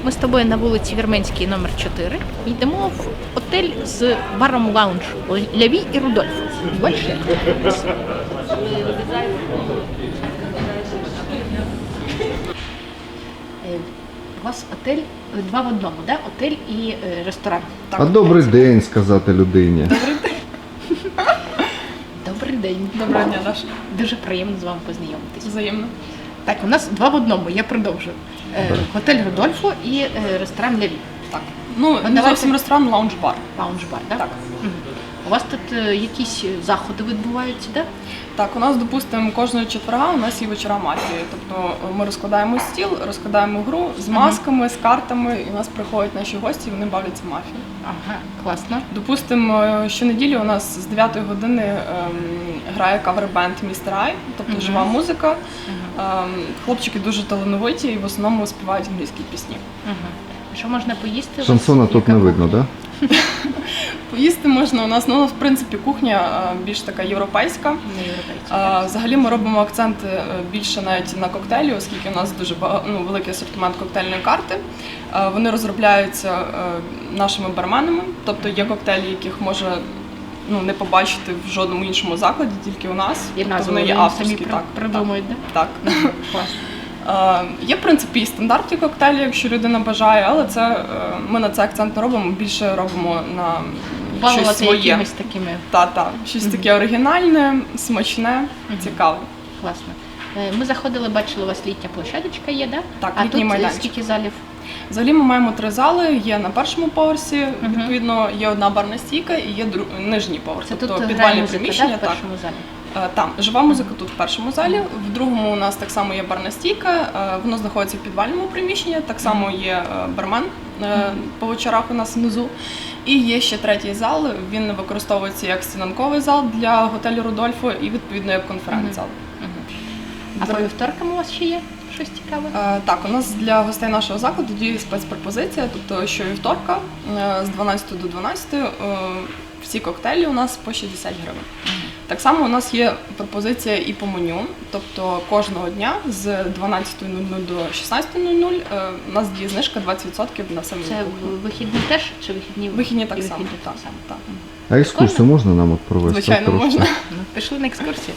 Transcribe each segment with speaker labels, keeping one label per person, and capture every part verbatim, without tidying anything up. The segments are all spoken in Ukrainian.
Speaker 1: Ми з тобою на вулиці Вірменській, номер чотири. Йдемо в готель з баром лаунж Ляві і Рудольфо. Бачиш? У вас отель два в одному, да? Отель і е, ресторан.
Speaker 2: Так. А добрий день сказати людині.
Speaker 1: Добрий день. Добрий день.
Speaker 3: Доброго дня, Даша.
Speaker 1: Дуже приємно з вами познайомитися.
Speaker 3: Взаємно.
Speaker 1: Так, у нас два в одному, я продовжую. Е, готель Рудольфо і е, ресторан Ляві.
Speaker 3: Так. Ну, не
Speaker 1: давайте.
Speaker 3: зовсім ресторан, лаунж-бар.
Speaker 1: Лаунж-бар, да?
Speaker 3: Так.
Speaker 1: Угу. У вас тут е, якісь заходи відбуваються, да?
Speaker 3: Так, у нас, допустимо, кожного четверга у нас є вечора мафії. Тобто ми розкладаємо стіл, розкладаємо гру з масками, з картами, і у нас приходять наші гості, і вони бавляться в мафію.
Speaker 1: Ага, класно.
Speaker 3: Допустимо, щонеділі у нас з дев'ятої години ем, грає кавер-бенд «Містер Ай», тобто
Speaker 1: Мгм.
Speaker 3: жива музика.
Speaker 1: Угу.
Speaker 3: Ем, хлопчики дуже талановиті і в основному співають англійські пісні.
Speaker 1: Угу. Що можна поїсти? У вас
Speaker 2: Шансона тут
Speaker 1: яка
Speaker 2: не видно,
Speaker 1: кухня?
Speaker 2: так? Да?
Speaker 3: Поїсти можна у нас, ну, в принципі, кухня е, більш така європейська.
Speaker 1: Не європейці.
Speaker 3: А, Взагалі ми робимо акцент е, більше навіть на коктейлі, оскільки у нас дуже бага- ну, великий асортимент коктейльної карти. Е, Вони розробляються е, нашими барменами, тобто є коктейлі, яких може ну, не побачити в жодному іншому закладі, тільки у нас.
Speaker 1: І
Speaker 3: Тобто
Speaker 1: назву
Speaker 3: вони є
Speaker 1: вони
Speaker 3: авторські.
Speaker 1: самі
Speaker 3: Так,
Speaker 1: придумують, да?
Speaker 3: так. так.
Speaker 1: Класно.
Speaker 3: Е, Є, в принципі, і стандартні коктейлі, якщо людина бажає, але це е, ми на це акцент не робимо, більше робимо на щось
Speaker 1: Балувати
Speaker 3: своє.
Speaker 1: якимись такими.
Speaker 3: Та, та, щось
Speaker 1: Мгм.
Speaker 3: таке оригінальне, смачне,
Speaker 1: Мгм.
Speaker 3: цікаве.
Speaker 1: Класно. Е, Ми заходили, бачили, у вас літня площадочка є, да?
Speaker 3: Так,
Speaker 1: а
Speaker 3: літній
Speaker 1: тут
Speaker 3: майданчик.
Speaker 1: скільки залів?
Speaker 3: Взагалі ми маємо три зали, є на першому поверсі,
Speaker 1: Мгм.
Speaker 3: відповідно, є одна барна стійка і є дру... нижній поверх,
Speaker 1: Це
Speaker 3: тобто
Speaker 1: тут грає
Speaker 3: підвальне
Speaker 1: музика, да,
Speaker 3: приміщення.
Speaker 1: в
Speaker 3: Так.
Speaker 1: першому залі?
Speaker 3: Е, Там жива музика тут в першому залі, в другому у нас так само є барна стійка, е, воно знаходиться в підвальному приміщенні, так само є е, бармен е, по вечорах у нас внизу. І є ще третій зал, він використовується як стінанковий зал для готелю Рудольфо і відповідно як конференц-зал.
Speaker 1: Мгм. А по вівторкам у вас ще є щось цікаве?
Speaker 3: Е, Так, у нас для гостей нашого закладу діє спецпропозиція, тобто щовівторка е, з дванадцятої до дванадцятої е, всі коктейлі у нас по шістдесят гривень. Так само у нас є пропозиція і по меню, тобто кожного дня з дванадцятої до шістнадцятої е, у нас діє знижка двадцять відсотків на самі
Speaker 1: Це в- вихідні теж чи вихідні?
Speaker 3: вихідні так
Speaker 1: і
Speaker 3: само.
Speaker 1: вихідні
Speaker 3: Так,
Speaker 1: так само.
Speaker 3: так.
Speaker 2: А екскурсію можна нам от провести?
Speaker 3: Звичайно,
Speaker 2: трошки?
Speaker 3: можна.
Speaker 1: Ну, пішли на екскурсію.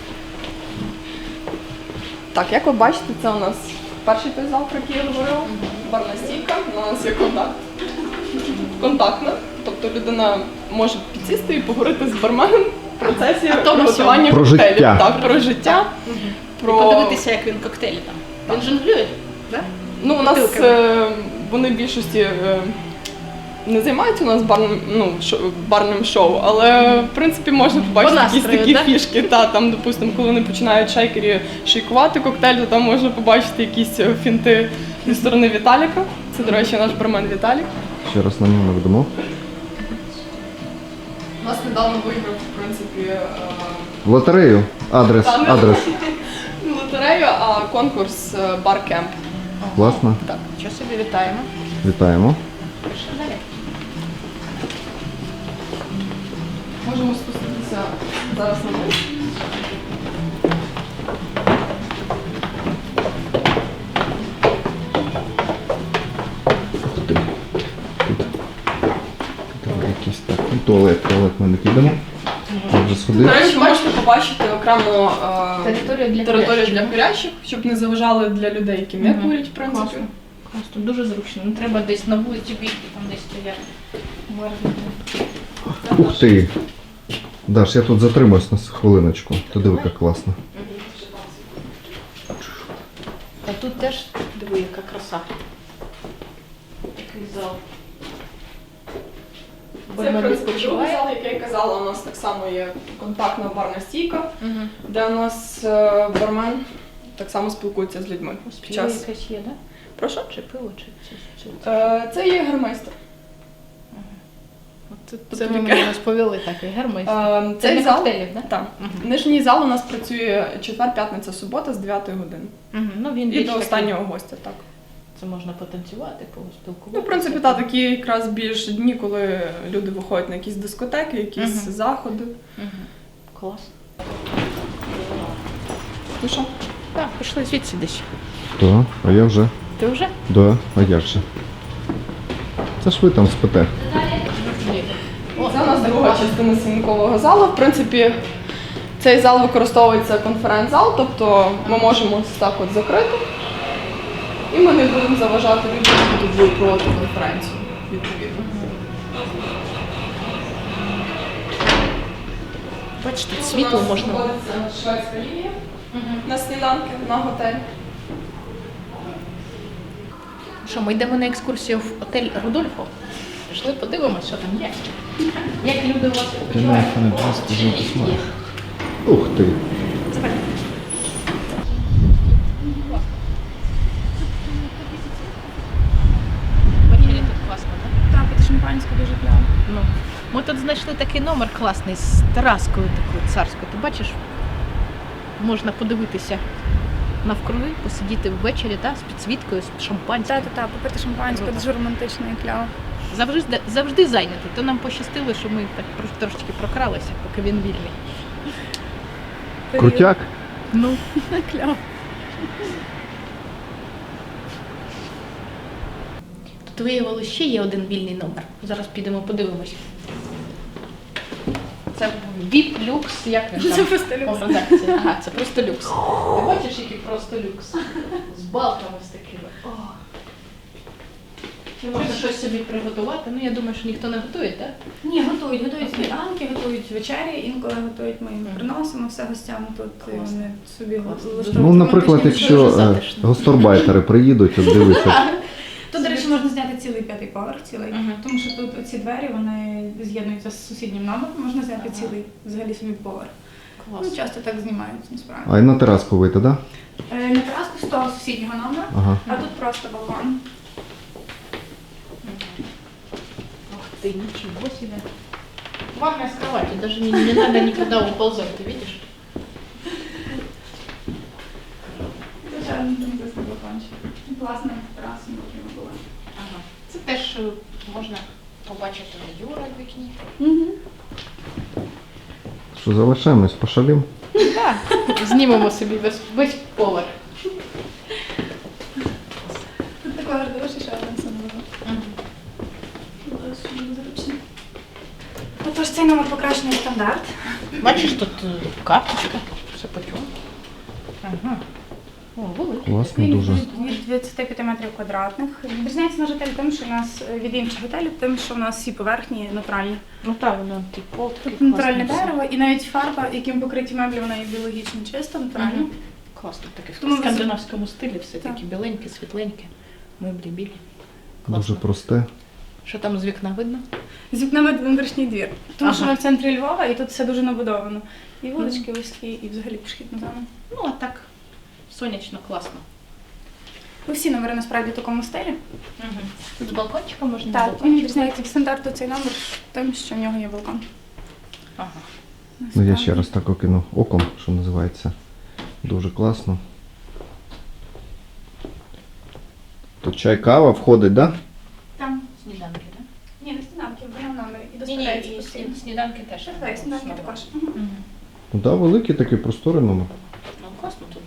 Speaker 3: Так, як ви бачите, це у нас перший той зал, про який я говорила, барна стійка, у нас є контакт. Контактна, тобто людина може підсісти і поговорити з барменом в процесі
Speaker 1: А то
Speaker 3: приготування
Speaker 2: Про
Speaker 3: коктейлів.
Speaker 2: життя.
Speaker 3: Так, про життя.
Speaker 1: І
Speaker 3: Про...
Speaker 1: подивитися, як він коктейлі там. Він жонглює, так?
Speaker 3: Ну, у нас
Speaker 1: бутилками.
Speaker 3: е, вони в більшості е, не займаються у нас барним, ну, шо- барним шоу, але в принципі можна побачити
Speaker 1: По
Speaker 3: якісь
Speaker 1: настрою,
Speaker 3: такі
Speaker 1: да?
Speaker 3: фішки. Та, там, допустимо, коли вони починають шейкері шейкувати коктейль, то там можна побачити якісь е, фінти зі сторони Віталіка. Це, до речі, наш бармен Віталік.
Speaker 2: Ще раз на нього наведемо.
Speaker 3: У нас недавно виграв, в принципі, е,
Speaker 2: Лотерею. Адрес.
Speaker 3: та, не
Speaker 2: Адрес.
Speaker 3: не лотерею, а конкурс е, бар-кемп.
Speaker 2: Класно.
Speaker 3: Так.
Speaker 1: Що собі вітаємо.
Speaker 2: Вітаємо.
Speaker 1: Пішли далі.
Speaker 3: Можемо спуститися зараз на низ.
Speaker 2: Тут. Там якийсь так. Ну, туалет. Туалет ми не підемо. Я вже
Speaker 3: До
Speaker 2: сходив.
Speaker 3: речі, ви можете побачити окремо е,
Speaker 1: Територію для
Speaker 3: територію
Speaker 1: курящих.
Speaker 3: для курячих, щоб не заважали для людей, які не
Speaker 1: Мгм.
Speaker 3: курять, в принципі.
Speaker 1: Класно. Класно, дуже зручно. Не треба десь на вулиці бігти, там десь стояти. Мерзнути.
Speaker 2: Ух ти. Даш, я тут затримуюсь на хвилиночку. Ти диви, як класно.
Speaker 1: А тут теж, диви, яка краса. Такий зал.
Speaker 3: Це, в
Speaker 1: Бармен
Speaker 3: принципі, другий
Speaker 1: відпочиває.
Speaker 3: зал, як я казала, у нас так само є контактна барна стійка,
Speaker 1: Мгм.
Speaker 3: де у нас е, бармен так само спілкується з людьми. Під
Speaker 1: Пиво
Speaker 3: час...
Speaker 1: якесь є, да?
Speaker 3: Прошу?
Speaker 1: Чи пиво, чи чи- чи- чи-
Speaker 3: Е, Це є гермейстер.
Speaker 1: От Це,
Speaker 3: Це
Speaker 1: це ви
Speaker 3: таке.
Speaker 1: мені розповіли так, і гермейстер.
Speaker 3: Е,
Speaker 1: Це
Speaker 3: Цей
Speaker 1: для
Speaker 3: зал,
Speaker 1: коктейлів, да?
Speaker 3: так.
Speaker 1: Мгм.
Speaker 3: Нижній зал у нас працює четвер, п'ятниця, субота з дев'ятої години.
Speaker 1: Мгм. Ну, він
Speaker 3: І
Speaker 1: більш
Speaker 3: до
Speaker 1: такий-
Speaker 3: останнього гостя, так.
Speaker 1: Це можна потанцювати, поспілкуватися.
Speaker 3: Ну, в принципі, так, такі якраз більш дні, коли люди виходять на якісь дискотеки, якісь
Speaker 1: Мгм.
Speaker 3: заходи.
Speaker 1: Мгм. Клас.
Speaker 3: Ну що?
Speaker 1: Так, пішли звідси десь.
Speaker 2: Так, а я вже.
Speaker 1: Ти вже?
Speaker 2: Да, а як же? Це ж ви там спите.
Speaker 3: Це у нас друга частина свинкового залу. В принципі, цей зал використовується як конференц-зал, тобто ми можемо ось так от закрити. І ми не будемо заважати людям, які тут будуть проводити конференцію, відповідно.
Speaker 1: Бачите, світло можна.
Speaker 3: Знаходиться шведська лінія на сніданки, на готель.
Speaker 1: Що, ми йдемо на екскурсію в отель Рудольфо? Пішли, подивимось, що там є. Як люди у вас відпочивають?
Speaker 2: Ух ти.
Speaker 1: Ввечері тут класно, так?
Speaker 4: Так, під шампанське дуже кляво.
Speaker 1: Ну, ми тут знайшли такий номер класний з тераскою такою царською. Ти бачиш, можна подивитися навкруги, посидіти ввечері, та, з підсвіткою, з шампанським.
Speaker 4: Так, так, так, попити шампанське,
Speaker 1: Круто.
Speaker 4: дуже романтично і кляво.
Speaker 1: Завжди, завжди зайнятий. То нам пощастило, що ми так трош- трошечки прокралися, поки він вільний.
Speaker 2: Крутяк?
Speaker 1: Ну,
Speaker 4: Кляво.
Speaker 1: тут виявилося ще є один вільний номер. Зараз підемо подивимось. Це віп люкс, як він там?
Speaker 4: Це просто люкс.
Speaker 1: О, редакція. Ага, це просто люкс. Ти бачиш, який просто люкс? З балками з такими. О. Чи можна щось собі приготувати? Ну, я думаю, що ніхто не готує, так?
Speaker 4: Ні, готують, готують сніданки, готують вечері, інколи готують, ми їм
Speaker 1: Мгм.
Speaker 4: приносимо все гостям тут, і
Speaker 1: Класно.
Speaker 4: вони собі
Speaker 1: Класно.
Speaker 4: влаштовують
Speaker 2: Ну, наприклад,
Speaker 4: романтичні
Speaker 2: якщо
Speaker 1: дуже
Speaker 2: е,
Speaker 1: затишно.
Speaker 2: гастарбайтери приїдуть, от дивися.
Speaker 4: Тут, до речі, можна зняти цілий п'ятий поверх, цілий,
Speaker 1: Мгм.
Speaker 4: тому що тут ці двері вони з'єднуються з сусіднім номером, можна зняти
Speaker 1: Ага.
Speaker 4: цілий взагалі собі поверх. Ну,
Speaker 1: Клас.
Speaker 4: часто так знімають, насправді.
Speaker 2: А і на тераску вийти, так? Да?
Speaker 4: Е, На тераску з того сусіднього номера,
Speaker 2: Ага.
Speaker 4: а тут просто балкон.
Speaker 1: Ух ты, ничего себе. Ванная с кроватью, даже не, не надо никуда уползать, ты видишь?
Speaker 4: Звичайно, там просто балкончик. Класна тераса, яка була.
Speaker 1: Ага. Це теж е, можна побачити Юра в вікні.
Speaker 2: Що, залишаємось, пошалім?
Speaker 1: Так, знімемо собі весь, весь поверх.
Speaker 4: Тут такий хороший ще один самоліт. Зручно. Отож, цей номер покращений стандарт.
Speaker 1: Бачиш, тут е, карточка, все по чому. Ага. О, великий.
Speaker 2: Класно
Speaker 4: Він
Speaker 2: дуже.
Speaker 4: від від двадцяти п'яти метрів квадратних. Відрізняється наш готель тим, що у нас е, від інших готелів, тим, що у нас всі поверхні натуральні.
Speaker 1: Ну так, воно типу пол такий
Speaker 4: Тут натуральне
Speaker 1: класний.
Speaker 4: дерево і навіть фарба, яким покриті меблі, вона є біологічно чиста, натуральна.
Speaker 1: Мгм. Класно, таке
Speaker 4: Тому
Speaker 1: в
Speaker 4: ви-
Speaker 1: скандинавському стилі, все
Speaker 4: Так.
Speaker 1: таке біленьке, світленьке, меблі білі.
Speaker 2: Дуже
Speaker 1: Класно.
Speaker 2: просте.
Speaker 1: Що там з вікна видно?
Speaker 4: З вікнами внутрішній двір. Тому що
Speaker 1: Ага.
Speaker 4: ми в центрі Львова і тут все дуже набудовано. І вулички вузькі, і взагалі пішохідна зона.
Speaker 1: Ну, а так, сонячно, класно.
Speaker 4: Ну, всі номери насправді в такому стилі.
Speaker 1: Угу. Тут з балкончиком можна?
Speaker 4: Так,
Speaker 1: балкончик.
Speaker 4: він відрізняється від стандарту цей номер тим, що в нього є балкон.
Speaker 1: Ага.
Speaker 2: Ну я ще раз так окину оком, що називається. Дуже класно. Тут чай, кава входить, так? Да?
Speaker 4: Там.
Speaker 1: Сніданки, так?
Speaker 4: Ні, не сніданки, в одному номері. І
Speaker 1: Ні, ні,
Speaker 4: доставляється
Speaker 1: і
Speaker 4: постійно.
Speaker 1: сні- сніданки теж.
Speaker 4: Так, так, сніданки також. Мгм.
Speaker 1: Мгм.
Speaker 2: Ну так, да, великий такий просторий номер.
Speaker 1: Ну, класно тут.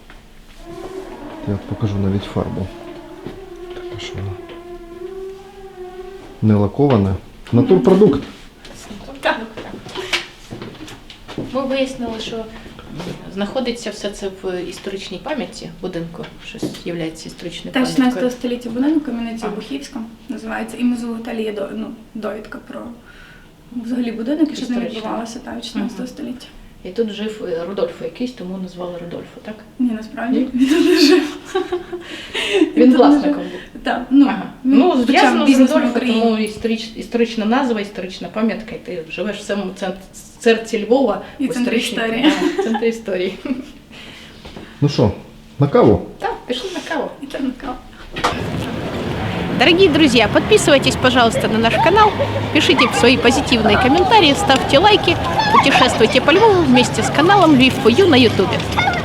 Speaker 2: Я покажу навіть фарбу. Така що вона не лакована. Натурпродукт.
Speaker 1: Так. Ми вияснили, що знаходиться все це в історичній пам'яті будинку, щось є історичною
Speaker 4: Теж шістнадцятого
Speaker 1: пам'яткою.
Speaker 4: століття будинок, кам'яниця
Speaker 1: Ага.
Speaker 4: Бухівська називається. І внизу в готелі є до- ну, довідка про взагалі будинок і що з ним
Speaker 1: Історично.
Speaker 4: відбувалося так, шістнадцятого
Speaker 1: Мгм.
Speaker 4: століття.
Speaker 1: І тут жив е, Рудольфо якийсь, тому назвали Рудольфо, так?
Speaker 4: Ні, насправді він тут не жив.
Speaker 1: Він
Speaker 4: тут не
Speaker 1: власником
Speaker 4: жив.
Speaker 1: був.
Speaker 4: Так, ну,
Speaker 1: Ага.
Speaker 4: він
Speaker 1: Ну,
Speaker 4: почав
Speaker 1: зв'язано з
Speaker 4: бізнес в
Speaker 1: Рудольфо,
Speaker 4: Україні.
Speaker 1: тому історич, історична назва, історична пам'ятка, і ти живеш в самому цент- серці Львова,
Speaker 4: І
Speaker 1: в
Speaker 4: центрі
Speaker 1: історичній-
Speaker 4: історії.
Speaker 1: Да, в центрі історії.
Speaker 2: Ну що, на каву?
Speaker 1: Так, пішли на каву.
Speaker 4: І це накал.
Speaker 1: Дорогие друзья, подписывайтесь, пожалуйста, на наш канал, пишите свои позитивные комментарии, ставьте лайки, путешествуйте по Львову вместе с каналом Львив фор ю на ютубе.